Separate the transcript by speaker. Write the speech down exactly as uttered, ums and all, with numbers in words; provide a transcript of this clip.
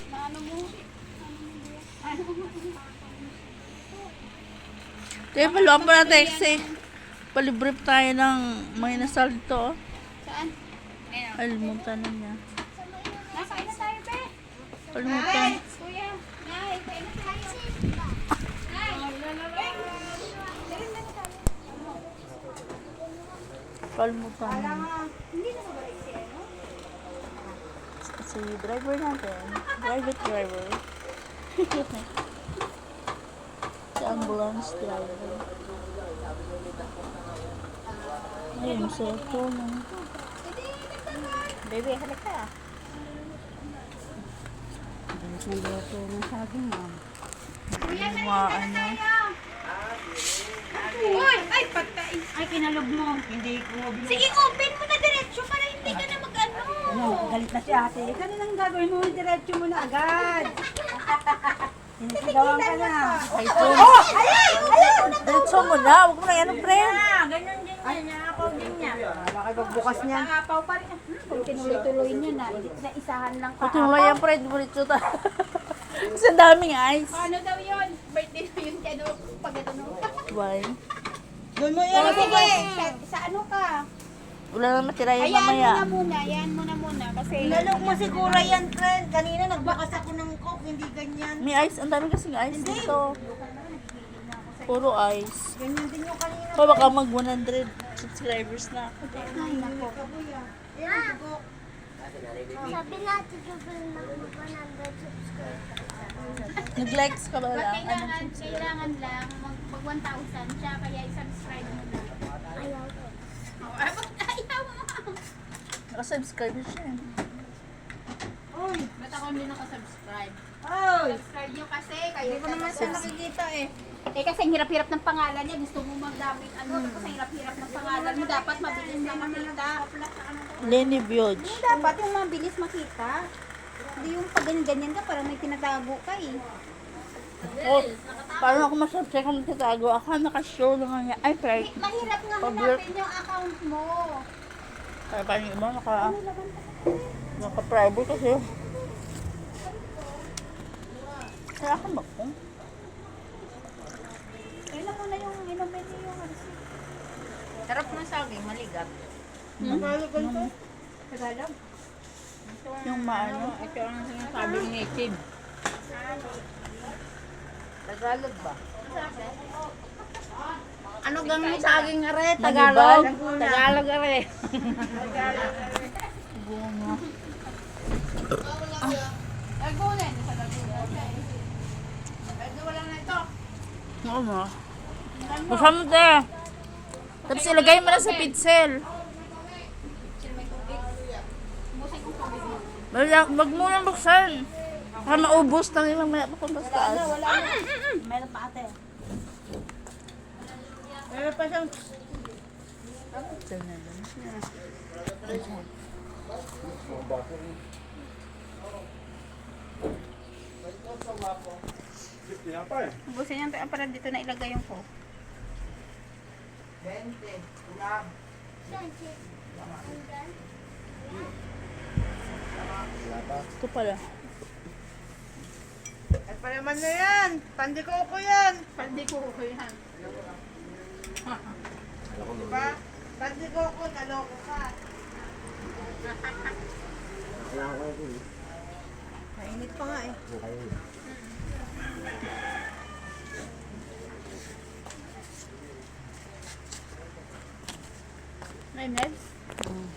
Speaker 1: Ano mo?
Speaker 2: Kaya paluan pa natin kasi palibrip tayo ng may nasalto.
Speaker 1: Saan? Ayun.
Speaker 2: Alimutan na niya.
Speaker 1: Nakain na tayo, be.
Speaker 2: Alimutan.
Speaker 1: Kuya. Nay, kain na tayo. Nay.
Speaker 2: Kalimutan na.
Speaker 1: Hindi na mabalik si ano?
Speaker 2: Si driver natin. Private driver. Si ambulance driver. Ayun, cellphone.
Speaker 1: Baby, halika.
Speaker 3: Bilis ng luto ng saging, ma'am.
Speaker 1: Kuya,
Speaker 2: Yung mga ano.
Speaker 1: Uy! Ay, patay. Ay, kinalog mo.
Speaker 3: Hindi ko binili.
Speaker 1: Sige, open mo na diretso para hindi ka na mag-ano.
Speaker 3: Ano, galit na si ate. Kaninang gagawin mo, diretso mo na agad. Sinisigawan ka na.
Speaker 2: Ay, ito.
Speaker 3: Oh! Ayan! Ayan!
Speaker 2: Diretso mo na. Huwag mo na yan, friend.
Speaker 1: Ah, ganyan din niya. Nakapaw din niya.
Speaker 3: Wala kayo pagbukas niyan.
Speaker 1: Nakapaw pa rin. Hmm, kung tinuloy-tuloy niya na, na isahan lang
Speaker 2: Kung
Speaker 1: ka.
Speaker 2: tinulay yan, friend, diretso ta. Kasi ang daming ice.
Speaker 1: Paano daw yun? Birthday na yun kaya daw pag ito no.
Speaker 2: Why?
Speaker 3: Doon mo
Speaker 1: Oh, sige, sa, sa ano ka?
Speaker 2: Wala na matira yung
Speaker 1: Ayan mo
Speaker 2: mamaya.
Speaker 1: na muna, ayan mo na muna. Kasi,
Speaker 3: Lalok mo siguro yan, friend. Kanina nagbakas ako ng coke, hindi ganyan.
Speaker 2: May ice. Ang dami kasing ice dito. Puro ice.
Speaker 3: Ganyan din yung kanina.
Speaker 2: Pa baka mag one hundred subscribers na ako.
Speaker 1: ay nako.
Speaker 4: Sabi natin gagawin na mag one hundred subscribers.
Speaker 2: Nag-likes ka ba
Speaker 1: Ba't
Speaker 2: lang?
Speaker 1: kailangan, kailangan lang mag, mag one thousand siya, kaya i-subscribe mo na.
Speaker 4: Ayaw ko.
Speaker 1: Oh, ay, ba't ayaw mo?
Speaker 2: Naka-subscribe siya. eh.
Speaker 3: Uy!
Speaker 1: Ba't ako hindi nakasubscribe?
Speaker 3: Uy!
Speaker 1: Subscribe nyo kasi, kayo
Speaker 3: Hindi ko naman siya nakikita eh.
Speaker 1: Eh kasi ang hirap-hirap ng pangalan niya, gusto mo magdamit ano, tapos ang hirap-hirap ng pangalan mo, dapat mabilis na makita.
Speaker 2: Lenny Bioj.
Speaker 1: Dapat yung mabilis makita. Hindi yung pag ganyan-ganyan ka, parang may tinatago ka eh.
Speaker 2: Oh, paano ako masubscribe kung magtatago? Ako naka-show lang nga. Ay, try.
Speaker 1: Mahirap nga
Speaker 2: Public.
Speaker 1: hanapin yung account mo.
Speaker 2: Kaya paano yung iba naka... Naka-private kasi. Kaya ako ba ko?
Speaker 1: Kailan mo na yung inumin niyo yung receipt.
Speaker 3: Sarap ng saging, maligat.
Speaker 2: Hmm?
Speaker 3: Tagalog
Speaker 1: Tagalog?
Speaker 2: Yung maano?
Speaker 3: Ito ang sinasabi ng native. Tagalog ba? Ano gang may saging are?
Speaker 2: Tagalog?
Speaker 3: Tagalog are.
Speaker 2: Bunga.
Speaker 1: Lagunan. Sa Lagunan. Pwede wala na ito.
Speaker 2: Oo mo. Buksan mo te. Tapos ilagay mo na sa pitsel. Wala, wag mo lang buksan. Baka maubos na yung mamaya pa kung mas taas.
Speaker 3: Meron pa ate. Meron pa siyang...
Speaker 1: Ubusin yan para dito na ilagay yung ko.
Speaker 2: Ito pala.
Speaker 3: Ay pa naman na yan. Pandikoko yan.
Speaker 1: Pwede ko ko yan.
Speaker 3: Diba? Pandikoko, naloko ka. Mainit pa nga eh.
Speaker 1: May meds?